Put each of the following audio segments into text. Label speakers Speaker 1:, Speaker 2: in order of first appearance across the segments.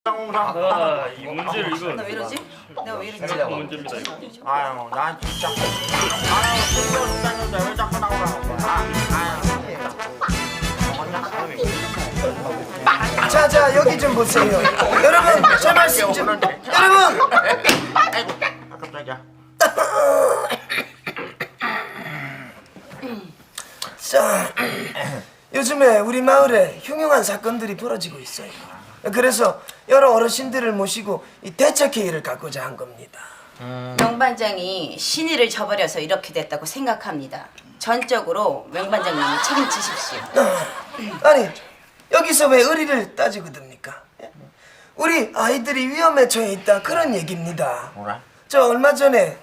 Speaker 1: 아, 이 문제를 이거
Speaker 2: 나 왜 이러지? 내가 왜 이러지?
Speaker 1: 생각한 문제입니다 이거.
Speaker 3: 아유, 난 진짜. 아유, 신경 쓰는데 왜 자꾸 나오라는 거야?
Speaker 4: 자, 여기 좀 보세요. 여러분, 제 말씀 좀. 여러분!
Speaker 3: 아이고, 깜짝이야.
Speaker 4: 자, 요즘에 우리 마을에 흉흉한 사건들이 벌어지고 있어요. 그래서 여러 어르신들을 모시고 이 대책회의를 갖고자 한 겁니다.
Speaker 2: 명반장이 신의를 저버려서 이렇게 됐다고 생각합니다. 전적으로 명반장님이 책임지십시오.
Speaker 4: 아니, 여기서 왜 의리를 따지고 듭니까? 우리 아이들이 위험에 처해 있다, 그런 얘기입니다.
Speaker 3: 뭐라?
Speaker 4: 저 얼마 전에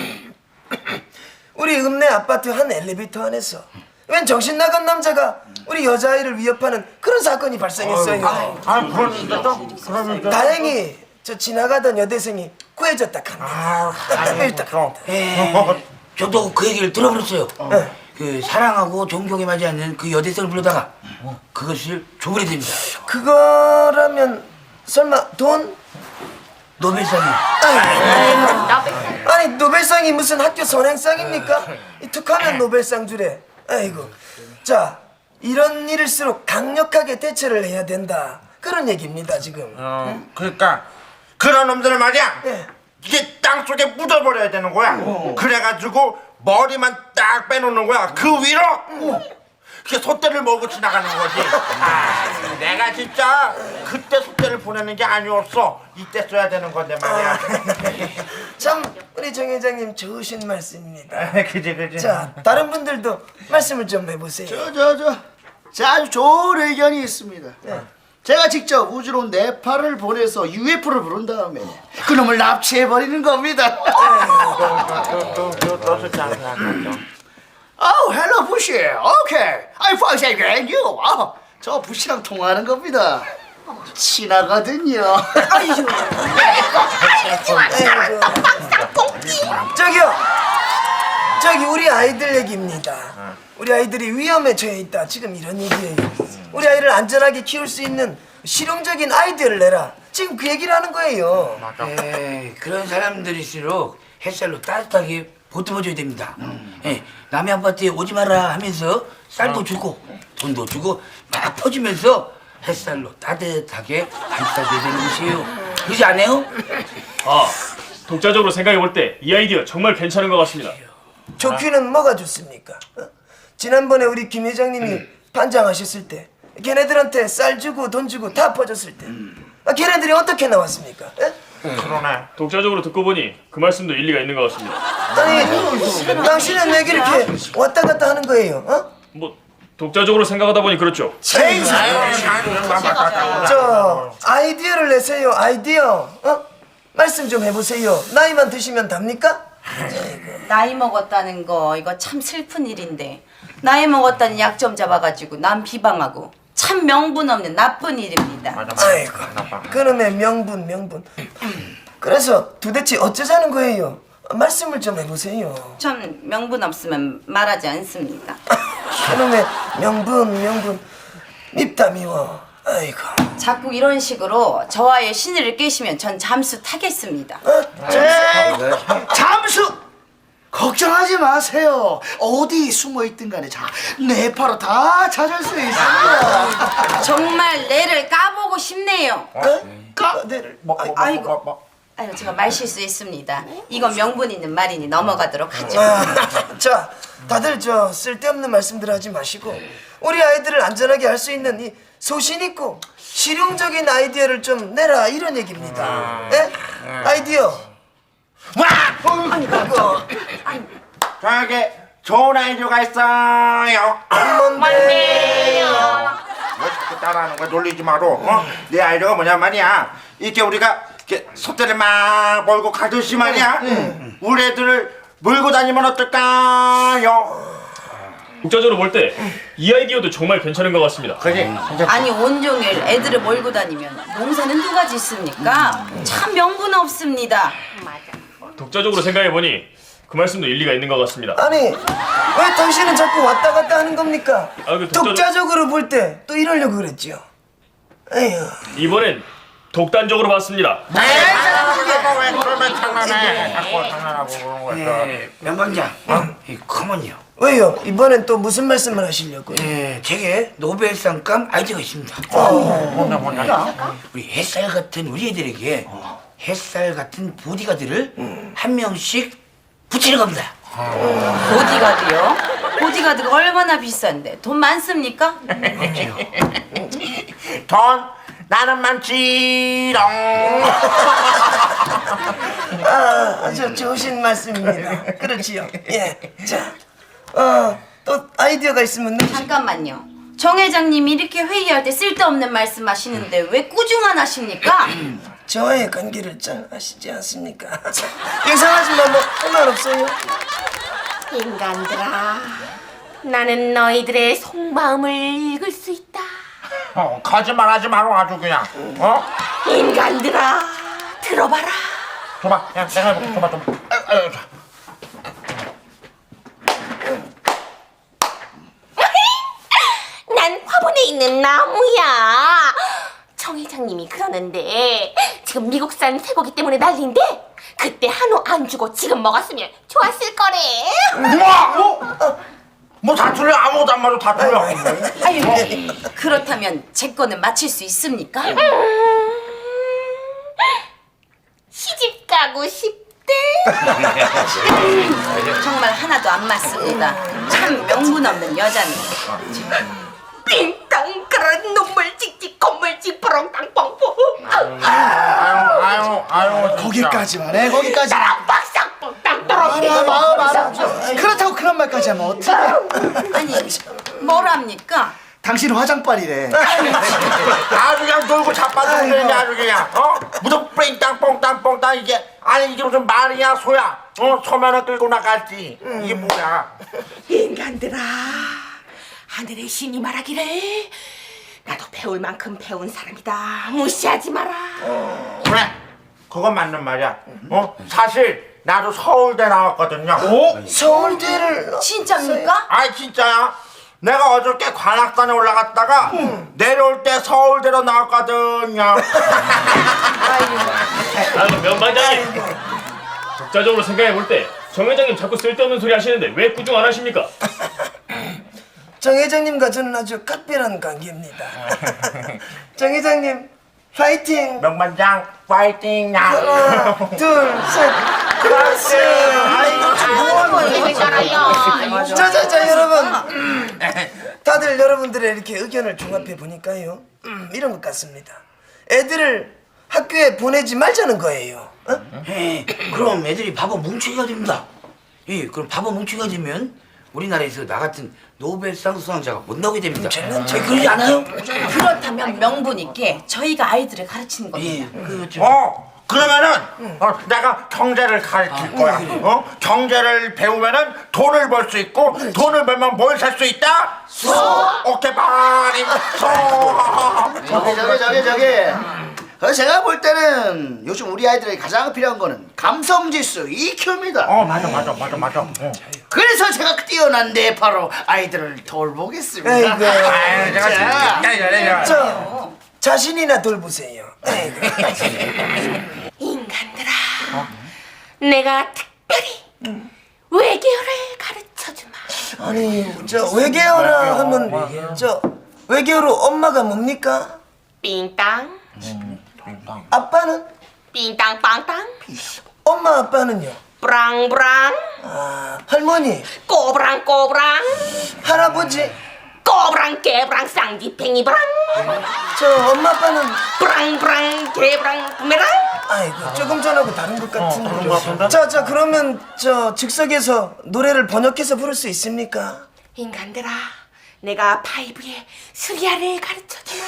Speaker 4: 우리 읍내 아파트 한 엘리베이터 안에서 웬 정신 나간 남자가 우리 여자아이를 위협하는 그런 사건이 발생했어요.
Speaker 3: 그러면
Speaker 4: 다행히 저 지나가던 여대생이 구해졌다 합니다.
Speaker 3: 그럼.
Speaker 5: 저도 그 얘기를 들어버렸어요. 그 사랑하고 존경에 맞지 않는 그 여대생을 부르다가 그것을 조물이 됩니다.
Speaker 4: 그거라면 설마 돈?
Speaker 5: 노벨상이.
Speaker 4: 아니 노벨상이 무슨 학교 선행상입니까? 이 툭하면 노벨상 주래. 아이고. 자, 이런 일일수록 강력하게 대처를 해야 된다, 그런 얘기입니다 지금.
Speaker 3: 그러니까 그런 놈들을 말이야.
Speaker 4: 예.
Speaker 3: 이게 땅 속에 묻어버려야 되는 거야. 그래가지고 머리만 딱 빼놓는 거야. 그 위로 그게 솥대를 몰고 지나가는 거지. 내가 진짜 그때 솥대를 보내는 게 아니었어. 이때 써야 되는 건데 말이야.
Speaker 4: 참 우리 정 회장님 좋으신 말씀입니다.
Speaker 3: 그지.
Speaker 4: 자, 다른 분들도 말씀을 좀 해보세요.
Speaker 6: 자, 아주 좋은 의견이 있습니다. 제가 직접 우주로 네팔을 보내서 UFO를 부른 다음에 그놈을 납치해버리는 겁니다.
Speaker 3: 너 진짜 안 생각하죠?
Speaker 6: Oh, hello, 부시. Okay, I found and you. 저 부시랑 통화하는 겁니다. 친하거든요.
Speaker 4: 저기 우리 아이들 얘기입니다. 우리 아이들이 위험에 처해 있다, 지금 이런 얘기예요. 우리 아이를 안전하게 키울 수 있는 실용적인 아이디어를 내라, 지금 그 얘기를 하는 거예요.
Speaker 5: 에이, 그런 사람들일수록 햇살로 따뜻하게 보듬어줘야 됩니다. 남의 아파트에 오지 마라 하면서 쌀도 주고 돈도 주고 막 퍼주면서 햇살로 따뜻하게 감싸줘야 되는 것이에요. 그러지 않아요?
Speaker 1: 독자적으로 생각해 볼 때 이 아이디어 정말 괜찮은 것 같습니다.
Speaker 4: 좋기는 뭐가 좋습니까? 지난번에 우리 김 회장님이 반장하셨을 때 걔네들한테 쌀 주고 돈 주고 다 퍼줬을 때 걔네들이 어떻게 나왔습니까?
Speaker 3: 그러네.
Speaker 1: 독자적으로 듣고 보니 그 말씀도 일리가 있는 것 같습니다.
Speaker 4: 아니, 당신은 왜 이렇게 왔다 갔다 하는 거예요?
Speaker 1: 뭐 독자적으로 생각하다 보니 그렇죠.
Speaker 4: 저 아이디어를 내세요, 아이디어. 말씀 좀 해보세요. 나이만 드시면 답니까?
Speaker 2: 나이 먹었다는 거 이거 참 슬픈 일인데, 나이 먹었다는 약점 잡아가지고 남 비방하고 참 명분 없는 나쁜 일입니다.
Speaker 4: 아이고, 그놈의 명분. 그래서 도대체 어쩌자는 거예요? 말씀을 좀 해보세요.
Speaker 2: 전 명분 없으면 말하지 않습니다.
Speaker 4: 그놈의 명분 밉다 미워. 아이고.
Speaker 2: 자꾸 이런 식으로 저와의 신의를 깨시면 전 잠수 타겠습니다.
Speaker 6: 잠수! 걱정하지 마세요. 어디 숨어 있든 간에 네팔로 다 찾을 수 있습니다.
Speaker 2: 정말 내를 까보고 싶네요. 아이고, 제가 말 실수했습니다. 이건 명분 있는 말이니 넘어가도록 하죠.
Speaker 4: 자, 다들 저 쓸데없는 말씀들 하지 마시고 우리 아이들을 안전하게 할 수 있는 이 소신 있고 실용적인 아이디어를 좀 내라, 이런 얘기입니다. 예? 아이디어.
Speaker 3: 저에게 좋은 아이디어가 있어요.
Speaker 4: 뭔데요?
Speaker 3: 왜 자꾸 따라하는 거야? 놀리지 마로. 내 아이디어가 뭐냐 말이야. 이렇게 우리가 이렇게 솥대를 막 몰고 가듯이 말이야. 우리 애들을 몰고 다니면 어떨까요?
Speaker 1: 독자적으로 볼 때 이 아이디어도 정말 괜찮은 것 같습니다.
Speaker 3: 그지?
Speaker 2: 아니 온종일 애들을 몰고 다니면 농사는 누가 짓습니까? 참 명분 없습니다.
Speaker 1: 독자적으로 생각해 보니 그 말씀도 일리가 있는 것 같습니다.
Speaker 4: 아니, 왜 당신은 자꾸 왔다 갔다 하는 겁니까?
Speaker 1: 그
Speaker 4: 독자적으로 볼 때 또 이러려고 그랬죠. 에휴.
Speaker 1: 이번엔 독단적으로 봤습니다.
Speaker 3: 왜 그러면 장난해? 자꾸 장난하고 그런 거야.
Speaker 5: 명방장, 컴온요.
Speaker 4: 왜요? 이번엔 또 무슨 말씀을 하시려고요?
Speaker 5: 제게 노벨상감 아이디어가 있습니다. 우리 햇살 같은 우리 애들에게 햇살 같은 보디가드를 한 명씩 붙이는 겁니다.
Speaker 2: 보디가드요? 보디가드가 얼마나 비싼데 돈 많습니까?
Speaker 3: 돈 나는 많지롱.
Speaker 4: 아주 좋으신 말씀입니다. 그렇지요. 예. 자, 또 아이디어가 있으면
Speaker 2: 잠깐만요. 정 회장님이 이렇게 회의할 때 쓸데없는 말씀하시는데 왜 꾸중안 하십니까?
Speaker 4: 저와의 관계를 잘 아시지 않습니까? 이상하지만 뭐 상관없어요.
Speaker 7: 인간들아, 나는 너희들의 속마음을 읽을 수 있다.
Speaker 3: 거짓말하지 마라 아주 그냥.
Speaker 7: 인간들아, 들어봐라.
Speaker 3: 줘봐. 야, 내가 해볼게. 줘봐.
Speaker 7: 난 화분에 있는 나무야. 정 회장님이 그러는데 지금 미국산 쇠고기 때문에 난리인데 그때 한우 안 주고 지금 먹었으면 좋았을 거래.
Speaker 3: 뭐 다 틀려. 아무것도 안 맞아. 다 틀려.
Speaker 2: 아유, 그렇다면 제 거는 맞힐 수 있습니까?
Speaker 7: 시집 가고 싶대.
Speaker 2: 정말 하나도 안 맞습니다. 참 명분 없는 여자네.
Speaker 7: 빙땅 그런 눈물 찍찍 콧물 찍부렁 땅뻥뻥.
Speaker 3: 아유.
Speaker 6: 거기까지만 해. 거기까지.
Speaker 7: 빡싹 땅 떨어지고.
Speaker 6: 말아. 그렇다고 그런 말까지 하면 어떡해?
Speaker 2: 아니, 뭐랍니까?
Speaker 6: 당신 화장빨이래.
Speaker 3: 아주 그냥 놀고 자빠지고 그러냐 아주 그냥. 무슨 뺑땅 뽕땅 뽕땅 이게. 아니 이게 무슨 말이야 소야. 소면을 끌고 나갔지. 이게 뭐야.
Speaker 7: 인간들아, 하늘의 신이 말하기를 나도 배울 만큼 배운 사람이다. 무시하지 마라.
Speaker 3: 그래. 그건 맞는 말이야. 사실 나도 서울대 나왔거든요.
Speaker 4: 서울대를
Speaker 2: 진짜입니까?
Speaker 3: 아이 진짜야. 내가 어저께 관악산에 올라갔다가 내려올 때 서울대로 나왔거든요.
Speaker 1: 명반장님, 독자적으로 생각해 볼 때 정 회장님 자꾸 쓸데없는 소리 하시는데 왜 꾸중 안 하십니까?
Speaker 4: 정 회장님과 저는 아주 각별한 관계입니다. 정 회장님 파이팅!
Speaker 3: 명반장 파이팅야.
Speaker 4: 하나, 둘, 셋. 그렇지. 자, 여러분. 다들 여러분들의 이렇게 의견을 종합해 보니까요. 이런 것 같습니다. 애들을 학교에 보내지 말자는 거예요.
Speaker 5: 그럼 애들이 바보 뭉치기가 됩니다. 그럼 바보 뭉치기가 되면 우리나라에서 나 같은 노벨상 수상자가 못 나오게 됩니다. 그러지 않아요?
Speaker 2: 그렇다면 명분 있게 저희가 아이들을 가르치는 겁니다.
Speaker 5: 그렇죠.
Speaker 3: 그러면은 내가 경제를 가르칠 거야. 경제를 배우면은 돈을 벌 수 있고 돈을 벌면 뭘 살 수 있다? 오케이 바리
Speaker 6: 저기. 제가 볼 때는 요즘 우리 아이들에게 가장 필요한 거는 감성지수 EQ입니다.
Speaker 3: 맞아.
Speaker 6: 그래서 제가 뛰어난 뇌파로 아이들을 돌보겠습니다.
Speaker 4: 아이고.
Speaker 3: 제가
Speaker 4: 저 자신이나 돌보세요. 아이고.
Speaker 7: 인간들아, 내가 특별히 외계어를 가르쳐주마.
Speaker 4: 아니 저 외계어라 하면 저 외계어로 엄마가 뭡니까?
Speaker 7: 삥땅,
Speaker 4: 아빠는?
Speaker 7: 삥땅 빵땅,
Speaker 4: 엄마 아빠는요?
Speaker 7: 브랑브랑,
Speaker 4: 할머니?
Speaker 7: 꼬브랑 꼬브랑,
Speaker 4: 할아버지?
Speaker 7: 꼬브랑 깨브랑 쌍디팽이브랑,
Speaker 4: 저 엄마 아빠는?
Speaker 7: 브랑브랑 개브랑 부메랑.
Speaker 4: 아이고 조금 전하고 다른 것 같은데. 자 그러면 저 즉석에서 노래를 번역해서 부를 수 있습니까?
Speaker 7: 인간들아, 내가 파이브의 수리아를 가르쳐주마.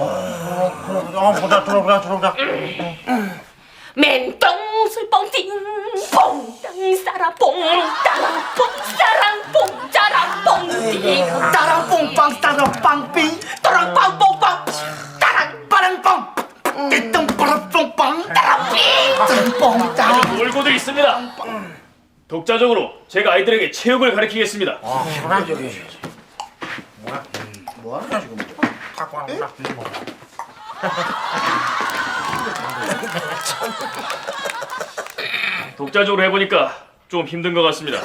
Speaker 3: 보자.
Speaker 7: 맨똥술 뻥띵 뽕땅 싸라 뽕따라 뽕싸랑 뽕짜라 뽕띵
Speaker 6: 따랑 뽕빵 따랑 빵빙
Speaker 7: 따랑 빵뽕빵 따랑
Speaker 6: 빠랑빵 띠똥 빠랑 뽕빵
Speaker 7: 따랑 삥
Speaker 6: 뽕 따랑
Speaker 1: 놀고도 있습니다. 독자적으로 제가 아이들에게 체육을 가르치겠습니다.
Speaker 3: 뭐하냐 지금? 갖고 왔나?
Speaker 1: 독자적으로 해보니까 좀 힘든 것 같습니다.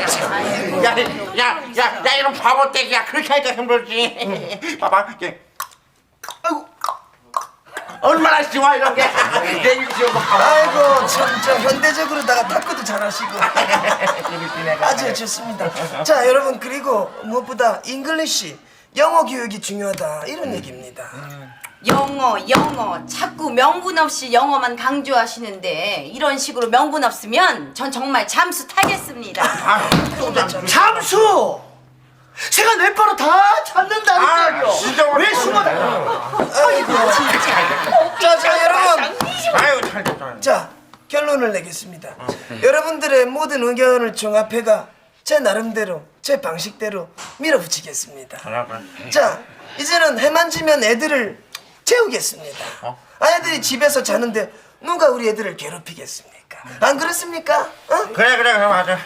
Speaker 3: 야, 이런 바보 떼기야. 그렇게 하니까 힘들지. 봐봐, 이게. 아이고. 얼마나 쉬워, 이런 게. 내일 쉬워.
Speaker 4: 아이고 참 저 현대적으로다가 탁구도 잘하시고 아주 좋습니다. 자 여러분 그리고 무엇보다 잉글리시 영어 교육이 중요하다 이런 얘기입니다.
Speaker 2: 영어 자꾸 명분 없이 영어만 강조하시는데 이런 식으로 명분 없으면 전 정말 잠수 타겠습니다.
Speaker 6: 잠수! 새가 뇌파로 다 잡는다니까요.
Speaker 3: 진짜
Speaker 6: 왜 숨어다?
Speaker 4: 자 여러분
Speaker 3: 아유, 잘 됐다.
Speaker 4: 자 결론을 내겠습니다. 여러분들의 모든 의견을 종합해가 제 나름대로 제 방식대로 밀어붙이겠습니다. 자 이제는 해만 지면 애들을 재우겠습니다. 아이들이 집에서 자는데 누가 우리 애들을 괴롭히겠습니까? 안 그렇습니까? 어?
Speaker 3: 그래, 맞아.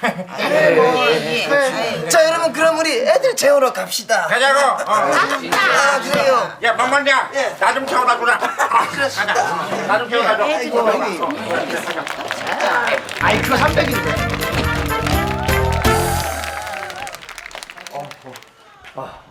Speaker 4: 자 여러분 그럼 우리 애들 재우러 갑시다.
Speaker 3: 가자고.
Speaker 4: 아 그래요.
Speaker 3: 야, 만만이야.
Speaker 4: 예.
Speaker 3: 나 좀 채워다 주라. 가자. 나 좀 채워다 줘.
Speaker 6: IQ 300인데.